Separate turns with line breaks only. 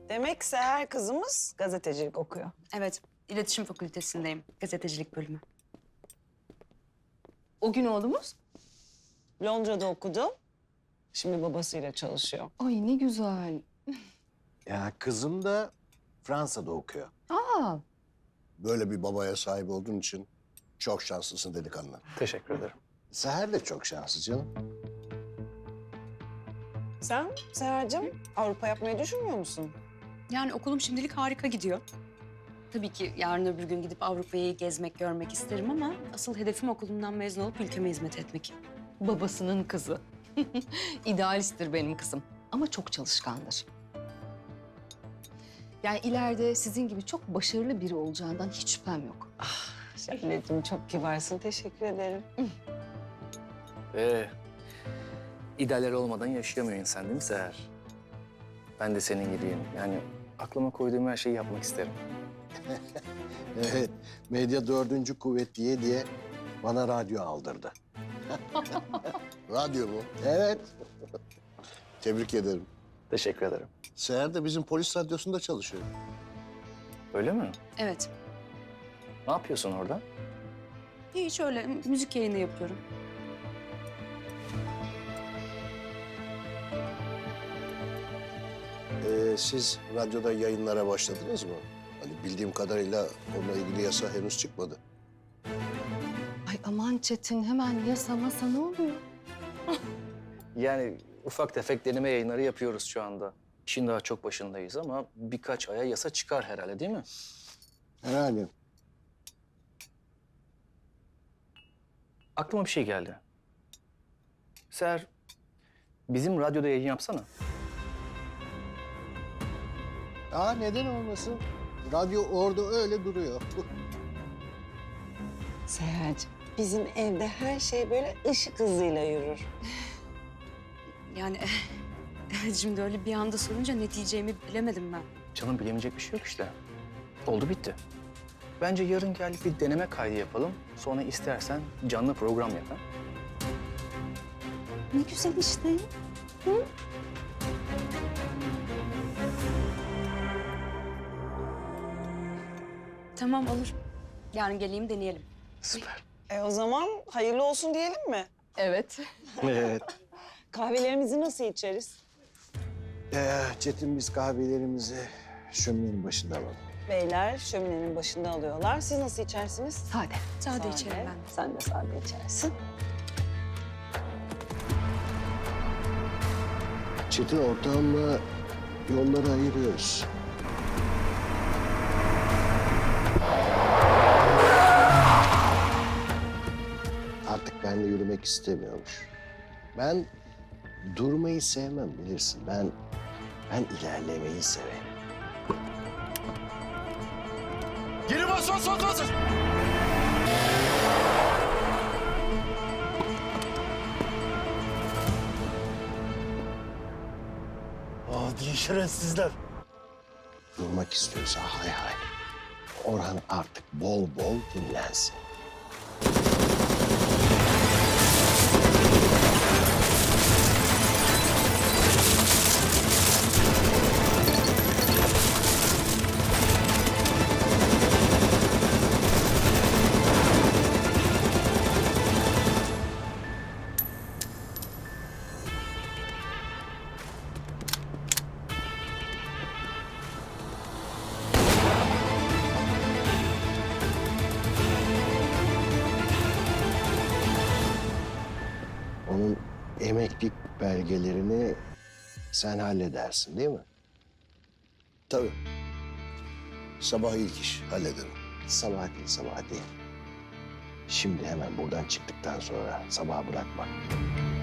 Demek Seher kızımız gazetecilik okuyor.
Evet, iletişim fakültesindeyim. Gazetecilik bölümü.
O gün oğlumuz?
Londra'da okudu. Şimdi babasıyla çalışıyor.
Ay ne güzel.
Ya kızım da Fransa'da okuyor.
Aa,
Böyle bir babaya sahip olduğun için çok şanslısın delikanlı.
Teşekkür ederim. Seher de çok şanslı canım.
Sen Seher'cim Avrupa yapmayı düşünmüyor musun?
Yani okulum şimdilik harika gidiyor. Tabii ki yarın öbür gün gidip Avrupa'yı gezmek, görmek isterim ama asıl hedefim okulumdan mezun olup ülkeme hizmet etmek.
babasının kızı. İdealisttir benim kızım ama çok çalışkandır. Yani ileride sizin gibi çok başarılı biri olacağından hiç şüphem yok.
Şebnemciğim çok kibarsın. Teşekkür ederim.
İdealler olmadan yaşayamıyor insan değil mi Seher? Ben de senin gibiyim. Yani aklıma koyduğum her şeyi yapmak isterim.
Evet, medya dördüncü kuvvet diye bana radyo aldırdı. Radyo mu? Evet. Tebrik ederim.
Teşekkür ederim.
Seher de bizim polis radyosunda çalışıyor.
Öyle mi?
Evet,
Ne yapıyorsun orada?
hiç öyle müzik yayını yapıyorum.
Siz radyoda yayınlara başladınız mı? Hani bildiğim kadarıyla onunla ilgili yasa henüz çıkmadı.
Ay aman Çetin hemen yasa masa ne oluyor?
Yani ufak tefek deneme yayınları yapıyoruz şu anda. İşin daha çok başındayız ama birkaç aya yasa çıkar herhalde değil mi?
Herhalde.
Aklıma bir şey geldi. Seher, bizim radyoda yayın yapsana.
Neden olmasın? Radyo orada öyle duruyor.
Seher'cim bizim evde her şey böyle ışık hızıyla yürür.
Yani evet, şimdi öyle bir anda sorunca ne diyeceğimi bilemedim ben.
Canım bilemeyecek bir şey yok işte. Oldu bitti. Bence yarın gel bir deneme kaydı yapalım. Sonra istersen canlı program yap. Ha?
Ne güzel işte. Tamam olur. Yarın geleyim deneyelim.
Süper.
O zaman hayırlı olsun diyelim mi?
Evet.
Evet.
Kahvelerimizi nasıl içeriz?
Çetin biz kahvelerimizi şöminenin başında alalım.
Beyler şöminenin başında alıyorlar. Siz nasıl içersiniz?
Sade.
Sade içerim ben de.
Sen de sade içersin.
Çetin ortağımla yolları ayırıyoruz. Artık benimle yürümek istemiyormuş. Ben durmayı sevmem bilirsin. Ben ilerlemeyi severim.
Geri bas bas bas bas.
Adi şerefsizler.
Durmak istiyorsa hay hay. Orhan artık bol bol dinlensin. Onun emeklilik belgelerini sen halledersin değil mi? Tabii. Sabah ilk iş hallederim. Sabah değil. Şimdi hemen buradan çıktıktan sonra sabaha bırakma.